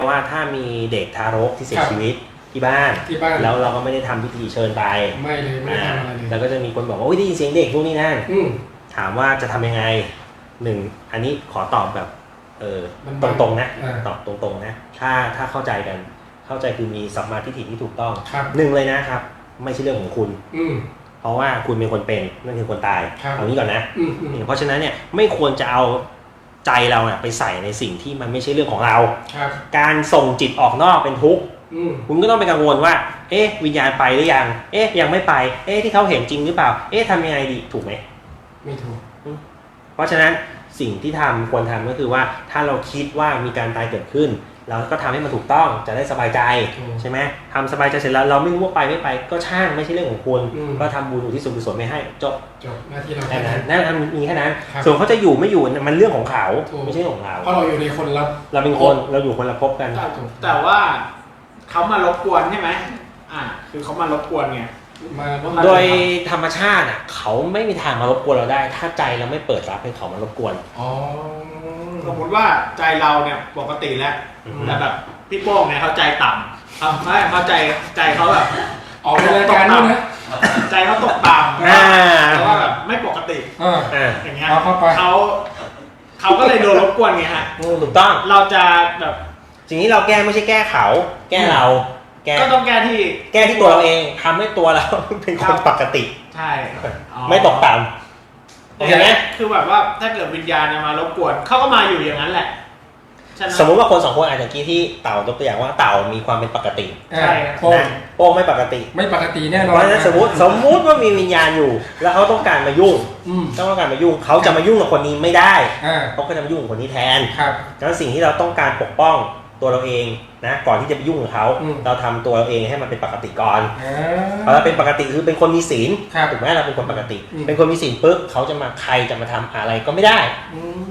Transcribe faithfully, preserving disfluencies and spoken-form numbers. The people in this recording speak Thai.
ว่าถ้ามีเด็กทารกที่เสียชีวิตที่บ้านที่บ้านแล้วเราก็ไม่ได้ทำพิธีเชิญไปไม่เลยไม่ได้ทำอะไรเลยแล้วก็จะมีคนบอกว่าได้ยินเสียงเด็กพวกนี้นั่นถามว่าจะทำยังไงหนึ่งอันนี้ขอตอบแบบเออตรงๆนะตอบตรงๆนะถ้าถ้าเข้าใจกันเข้าใจคือมีสัมมาทิฏฐิที่ถูกต้องหนึ่งเลยนะครับไม่ใช่เรื่องของคุณเพราะว่าคุณเป็นคนเป็นนั่นคือคนตายเอางี้ก่อนนะเพราะฉะนั้นเนี่ยไม่ควรจะเอาใจเราไปใส่ในสิ่งที่มันไม่ใช่เรื่องของเราการส่งจิตออกนอกเป็นทุกข์คุณก็ต้องไปกังวลว่าเอ๊ะวิญญาณไปหรือยังเอ๊ะยังไม่ไปเอ๊ะที่เขาเห็นจริงหรือเปล่าเอ๊ะทำยังไงดีถูกไหมไม่ถูกเพราะฉะนั้นสิ่งที่ทำควรทำก็คือว่าถ้าเราคิดว่ามีการตายเกิดขึ้นเราก็ทำให้มันถูกต้องจะได้สบายใจใช่ไหมทำสบายใจเสร็จแล้วเราไม่รู้ว่าไปไม่ไปก็ช่างไม่ใช่เรื่องของคุณก็ทำบุญอุทิศส่วนกุศลไม่ให้จบจบหน้าที่เราแค่นั้นนั่นมีแค่นั้นส่วนเขาจะอยู่ไม่อยู่มันเรื่องของเขาไม่ใช่ของเราเพราะเราอยู่ในคนละเราเป็นคนเราอยู่คนละภพกันแต่ว่าเขามารบกวนใช่ไหมอ่าคือเขามารบกวนไงโดยธรรมชาติอ่ะเขาไม่มีทางมารบกวนเราได้ถ้าใจเราไม่เปิดรับให้เขามารบกวนอ๋อสมมติว่าใจเราเนี่ยปกติแล้วแต่แบบพี่โป้งเนี่ยเขาใจต่ำเขาไม่เขาใจใจเขาแบบออกรายการนี่นะใจเขาตกต่ำแล้วก็แบบไม่ปกติอย่างเงี้ยเขาเขาก็เลยโดนรบกวนไงฮะถูกต้องเราจะแบบสิ่งที่เราแก้ไม่ใช่แก้เขาแก้เราก็ต้องแก้ที่แก้ที่ตัวเราเองทำให้ตัวเราเป็นคนปกติใช่ไม่ตกต่ำเห็นไหมคือแบบว่าถ้าเกิดวิญญาณมารบกวนเขาก็มาอยู่อย่างนั้นแหละสมมุติว่าคนสองคนอาจจะกี้ที่เต่ายกตัวอย่างว่าเต่ามีความเป็นปกติใช่โป้งโป้งไม่ปกติไม่ปกติแน่นอนเพราะฉะนั้นสมมติสมมุติว่ามีวิญญาณอยู่แล้วเขาต้องการมายุ่งต้องการมายุ่งเขาจะมายุ่งกับคนนี้ไม่ได้เขาก็จะมายุ่งกับคนนี้แทนดังนั้นสิ่งที่เราต้องการปกป้องตัวเราเองนะก่อนที่จะไปยุ่งกับเขาเราทำตัวเราเองให้มันเป็นปกติก่อนพอเราเป็นปกติคือเป็นคนมีศีลถูกไหมเราเป็นคนปกติเป็นคนมีศีลปุ๊บเขาจะมาใครจะมาทำอะไรก็ไม่ได้